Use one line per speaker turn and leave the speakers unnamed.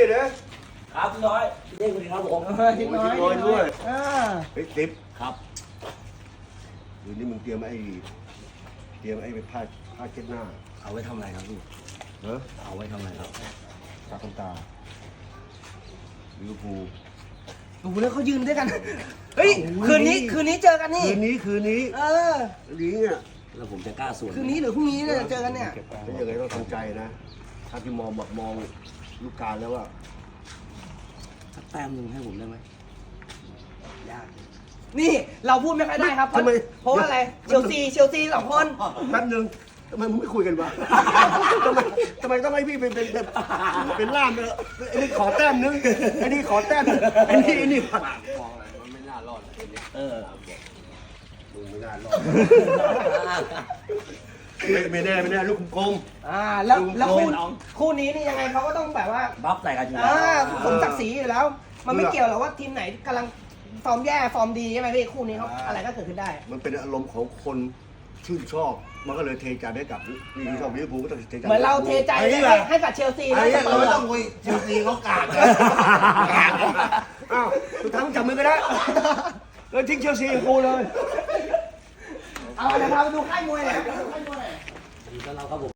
นะครับพี่น้อยเรียกคุณครับผม
ทิศน้อยด้วย
เฮ้ยติ๊บ
ครับ
คืนนี้มึงเตรียมไอ้ผ้าเช็ดหน้า
เอาไว้ทำอะไรครับพี่
เนอะ
เอาไว้ทำอะไรครับ
ตาคนตาลิเวอร์พูล
ดูแล้วเขายืนด้วยกัน เฮ้ย คืนนี้เจอกันนี่
คืนนี้
เออ
เนี่ย
แล้วผมจะกล้าสวน
คืนนี้หรือพรุ่งนี้เนี่ยเจอกันเนี่ย
เป็นยังไงต้องทำใจนะ ถ้าที่มองลูกการแล้วว่า
สักแต้มหนึ่งให้ผมได้ไหม
ยาก นี่เราพูดไม่ค่อยได้ครับ เพราะว่าอะไร เชลซี2 คน
แป๊บนึงทำไมมึงไม่คุยกันวะ ทำไมต้องให้พี่เป็นล่ามเนอะไอ้นี่ขอแต้มนึงไอ้นี่ขอแต้มนึงไอ้นี่
มองอะไรมันไม่น่ารอดเออ
มึงไม่น่ารอดไม่แน่ลูกกลม
แล้วคู่นี้นี่ยังไงเขาก็ต้องแบบว่า
บัฟใส่กันอยู่แล้ว
สมศักดิ์ศรีอยู่แล้ว มันไม่เกี่ยวหรอกว่าทีมไหนกำลังฟอร์มแย่ฟอร์มดีใช่ไหมพี่คู่นี้เขาอะไรก็เกิดขึ้นได้
มันเป็นอารมณ์ของคนชื่นชอบมันก็เลยเทใจให้กับนี่ชอบลิเวอร์พูลก็ต้องเทใจ
เหมือนเราเทใจให้กับเชลซี
ไอ้
แล้ว
เราไม่ต้องคุยเชลซีเขากากอ้าวสุดท้ายมึงจับมือกันได้แล้วทิ้งเชลซีกูเลย
เอาเดี๋ยวพาไปดูค่ายมวยหน่อย
ดีต้อนรับครับผม